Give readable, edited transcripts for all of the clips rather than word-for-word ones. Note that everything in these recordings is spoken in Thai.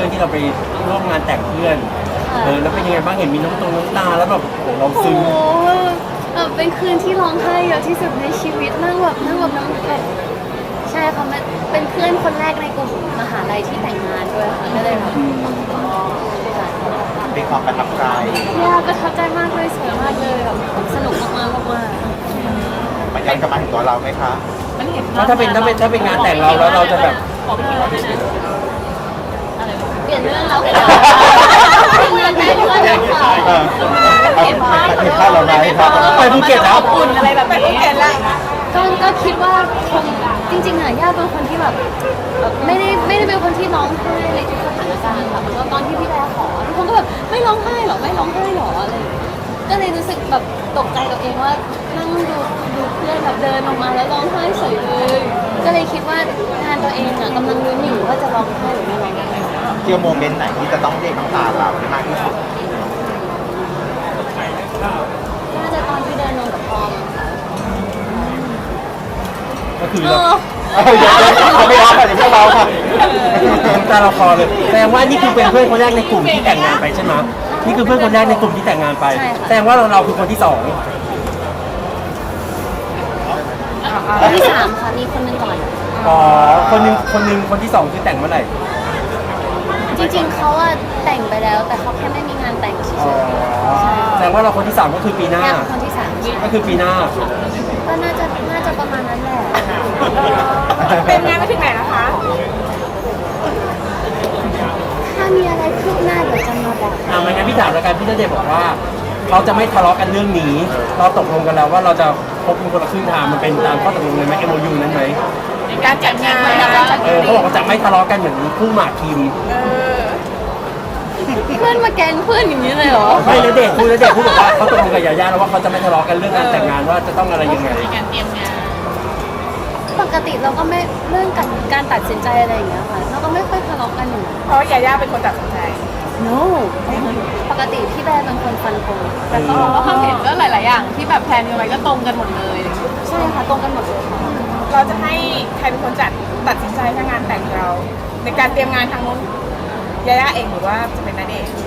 ที่เราไปร่วมงานแต่งเพื่อนแล้วเป็นยังไงบ้างเห็นมีน้ำตาแล้วแบบเราซึ้งแบบเป็นคืนที่ร้องไห้เยอะที่สุดในชีวิตนั่งแบบน้ำแบบใช่ค่ะมันเป็นเพื่อนคนแรกในกลุ่มมหาลัยที่แต่งงานด้วยค่ะก็เลยแบบเป็นความประทับใจประทับใจมากเลยสวยมากเลยแบบสนุกมากมันยังจะมาถึงตัวเราไหมคะมันเห็นถ้าเป็นงานแต่งเราแล้วเราจะแบบบอกพี่ว่าด้วยนะเปลี่ยนเรื่องเราเลยงานแต่งด้วยค่ะเห็นภาพเราไหมครับไปภูเก็ตแล้วอุ่นอะไรแบบนี้ก็คิดว่าคงจริงๆอ่ะย่าเป็นคนที่แบบไม่ได้เป็นคนที่ร้องไห้ในทุกสถานการณ์ค่ะแล้วตอนที่พี่แบร์ขอทุกคนก็แบบไม่ร้องไห้หรอไม่ร้องไห้หรออะไรก็เลยรู้สึกแบบตกใจตัวเองว่านั่งดูเพื่อนแบบเดินออกมาแล้วร้องไห้เฉยเลยก็เลยคิดว่างานตัวเองอ่ะกำลังลุ้นอยู่ว่าจะร้องไห้หรือไม่ร้องไห้เที่ยวโมเมนต์ไหนที่จะต้องเรียกน้ำตาเรามากที่สุดน่าจะตอนที่เดินลงกับพอมก็คือเราไม่รับค่ะอย่าเพิ่งเราค่ะน้ำตาเราคอเลยแสดงว่านี่คือเป็นเพื่อนคนแรกในกลุ่มที่แต่งงานไปใช่ไหมนี่คือเพื่อนคนแรกในกลุ่มที่แต่งงานไปแสดงว่าเราคือคนที่สองคนที่3ค่ะมีคนนึงก่อนคนนึงคนที่สองคือแต่งเมื่อไหร่จริงๆเขาอะแต่งไปแล้วแต่เขาแค่ไม่มีงานแต่งเฉยๆแสดงว่าเราคนที่3ก็คือปีหน้าคนที่3 ก็คือปีหน้าก็น่าจะประมาณนั้นแหละเป็นงานไปถึงไหนนะคะถ้ามีอะไรคืบหน้าเดี๋ยวจะมาบอกไม่งั้นพี่ถามแล้วกันพี่ณเดชน์บอกว่าเราจะไม่ทะเลาะกันเรื่องนี้เราตกลงกันแล้วว่าเราจะพบกันคนละครึ่งทางมันเป็นตามข้อตกลงเลยไหม MOU นั้นไหมในการจัดงานเขาบอกว่าจะไม่ทะเลาะกันเหมือนคู่หมากคิมเพื่อนมาแกล้งเพื่อนอย่างนี้เลยเหรอไม่ณเดชน์พูดบอกว่าเขาตกลงกับยาย่าแล้วว่าเขาจะไม่ทะเลาะกันเรื่องการแต่งงานว่าจะต้องอะไรยังไงการเตรียมงานปกติเราก็ไม่เรื่องการตัดสินใจอะไรอย่างเงี้ยค่ะเราก็ไม่ค่อยทะเลาะกันอยู่เพราะยาย่าเป็นคนตัดสินใจ no ปกติพี่แบร์เป็นคนฟันธงแต่ก็ความเห็นก็หลายๆอย่างที่แบบแพลนกันไว้ก็ตรงกันหมดเลยใช่ค่ะตรงกันหมดเลยค่ะเราจะให้ใครเป็นคนตัดสินใจถ้างานแต่งเราในการเตรียมงานทางนู้นยาย่าเองหรือว่าจะเป็นณเดชน์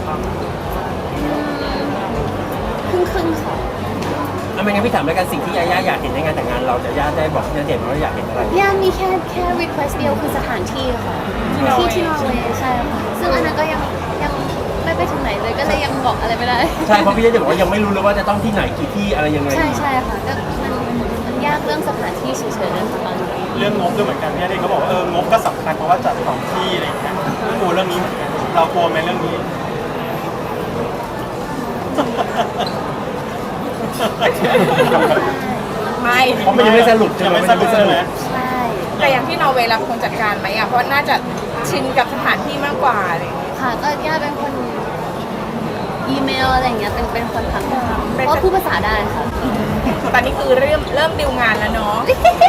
ครึ่งค่ะไม่งั้นพี่ถามแล้วกันสิ่งที่ยาย่าอยากเห็นในงานแต่งงานเราจะย่าได้บอกณเดชน์ว่าอยากเห็นอะไรย่ามีแค่ request เดียวคือสถานที่ค่ะที่นอร์เวย์ใช่ค่ะซึ่งอันนั้นก็ยังไม่ไปถึงไหนเลยก็เลยยังบอกอะไรไม่ได้ใช่เพราะพี่ณเดชน์บอกว่ายังไม่รู้เลยว่าจะต้องที่ไหนกี่ที่อะไรยังไงใช่ค่ะก็มันยากเรื่องสถานที่เฉยๆนั่นตอนนี้เรื่องงบด้วยเหมือนกันพี่ณเดชน์เขาบอกว่างบก็สำคัญเพราะว่าจัด2ที่อะไรอย่างเงี้ยกลัวเรื่องนี้เหมือนกันเรากลัวไหมเรื่องนี้ไม่เพราะมันยังไม่สรุปใช่ไหมใช่แต่อย่างที่นอร์เวย์รับคนจัดการไหมอ่ะเพราะน่าจะชินกับสถานที่มากกว่าอะไรอย่างเงี้ยค่ะก็ย่าเป็นคนอีเมลอะไรอย่างเงี้ยเป็นคนทำเพราะพูดภาษาได้ค่ะตอนนี้คือเริ่มดิวงานแล้วเนาะ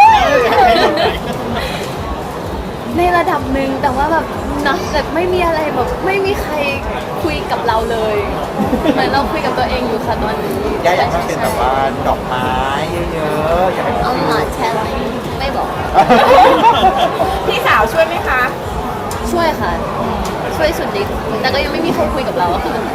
ในระดับหนึ่งแต่ว่าแบบนะแบบไม่มีอะไรแบบไม่มีใครคุยกับเราเลยเหมือนเราคุยกับตัวเองอยู่ค่ะตอนนี้อยากให้เป็นแบบว่าดอกไม้เยอะๆอยากให้ I'm not telling ไม่บอกพี่สาวช่วยไหมคะช่วยค่ะช่วยสุดฤทธิ์แต่ก็ยังไม่มีใครคุยกับเราอะค่ะ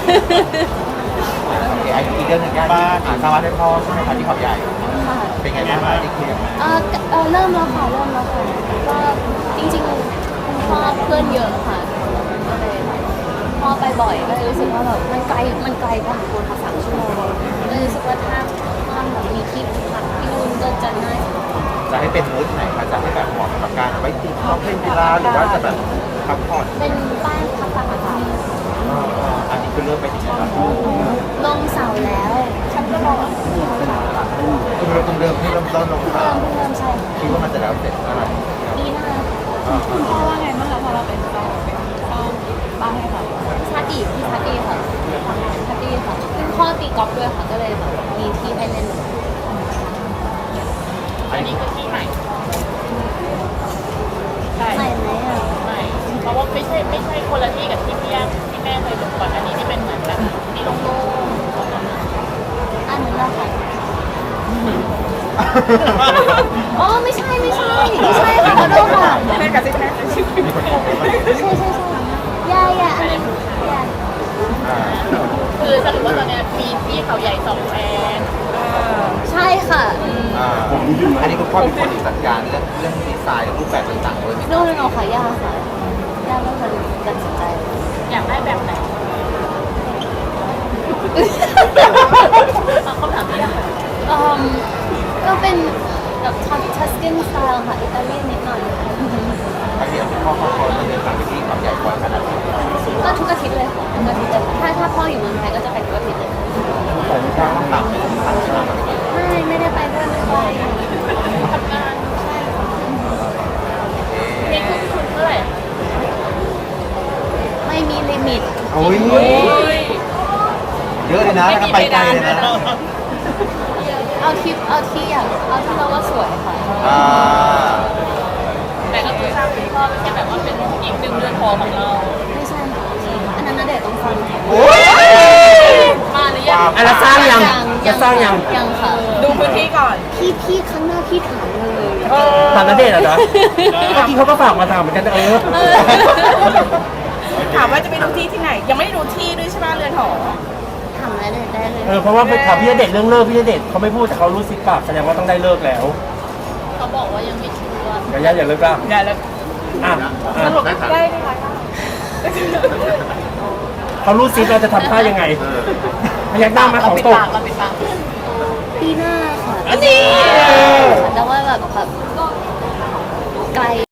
อีกเรื่องหนึ่งย่าที่สร้างบ้านให้พ่อใช่ไหมคะที่เขาใหญ่เป็นไงบ้างได้คุยกันไหมเริ่มแล้วค่ะก็จริงๆคุณพ่อเพื่อนเยอะค่ะก็เลยพ่อไปบ่อยก็เลยรู้สึกว่าแบบมันไกลพอสมควรค่ะ3 ชั่วโมงก็เลยรู้สึกว่าถ้าแบบมีที่พักที่นู่นก็จะง่ายจะให้เป็นมูดไหนคะจะให้แบบเหมาะกับการไว้ติดข้าวเล่นกีฬาหรือว่าจะแบบพักผ่อนเป็นบ้านพักตากอากาศอันนี้คือเริ่มไปถึงแล้วลงเสาแล้วฉันก็รอคุณเริ่มที่เริ่มต้นลงเสาใช่คิดว่ามันจะแล้วเสร็จเมื่อไหร่ปีหน้าคุณพ่อว่าไงบ้างคะพอเราเป็นเจ้าบ้านให้ค่ะชาติพี่ชาติค่ะซึ่งพ่อตีกอล์ฟด้วยค่ะก็เลยแบบมีที่ให้เล่นอันนี้คือที่ใหม่ใหม่ไหมอ่ะใหม่เพราะว่าไม่ใช่คนละที่กับที่พี่แม่เคยดูก่อนอันนี้ที่เป็นเหมือนแบบที่โล่งๆอันนั้นแหละค่ะอ๋อไม่ใช่ค่ะขอโทษค่ะแม่กับซิแม่ใช่ย่า yeah I mean yeah คือสรุปว่าตอนเนี้ยมีที่เขาใหญ่2แฟนใช่ค่ะอันนี้คุณพ่อเป็นคนจัดการเรื่องดีไซน์รูปแบบต่างๆด้วยไหมโน่นค่ะย่าค่ะย่าเป็นคนตัดสินใจอยากได้แบบไหนเอาคำถามนี้อะค่ะก็เป็นแบบทัสกินสไตล์ค่ะอิตาเลียนนิดหน่อยครั้งนี้คุณพ่อเขาเดินทางไปที่เขาใหญ่บ่อยขนาดไหนก็ทุกอาทิตย์เลยค่ะทุกอาทิตย์เลยถ้าพ่ออยู่เมืองไทยก็จะไปทุกอาทิตย์เลยต่างไปต่างชาติอะไรอย่างเงี้ยไม่ได้ไปด้วยไม่ไปทำงานนี่คือคุณเท่าไหร่ไม่มีลิมิตโอ้ยโอ้ยเยอะเลยนะแล้วก็ไปไกลเลยนะเอาที่อยากเอาที่เราว่าสวยค่ะอ่าแต่ก็คือทราบคุณพ่อไม่ใช่แบบว่าเป็นอีกหนึ่งเรือนหอของเราไม่ใช่ค่ะอันนั้นน่ะเด็กต้องฟังค่ะโอ้ยมาหรือยังอ่ะแล้วสร้างยังจะสร้างยังยังค่ะดูพื้นที่ก่อนพี่ครั้งหน้าพี่ถามเลยถามณเดชน์เหรอจ๊ะเมื่อกี้เขาก็ฝากมาถามเหมือนกันถามว่าจะไปดูที่ที่ไหน ยังไม่ได้ดูที่ด้วยใช่ไหมเรือนหอถามได้เลยได้เลยเพราะว่าไปถามพี่ณเดชน์เรื่องเลิกพี่ณเดชน์เขาไม่พูดแต่เขารู้สิบปากแสดงว่าต้องได้เลิกแล้วเขาบอกว่ายังไม่ชัวร์อย่าเลิกละอย่าเลยอ่ะสรุปได้ไหมคะเขารู้ซิเราจะทำท่ายังไงพยักหน้ามาของตกเราปิดปากปีหน้าค่ะอันนี้แต่ว่าแบบไกล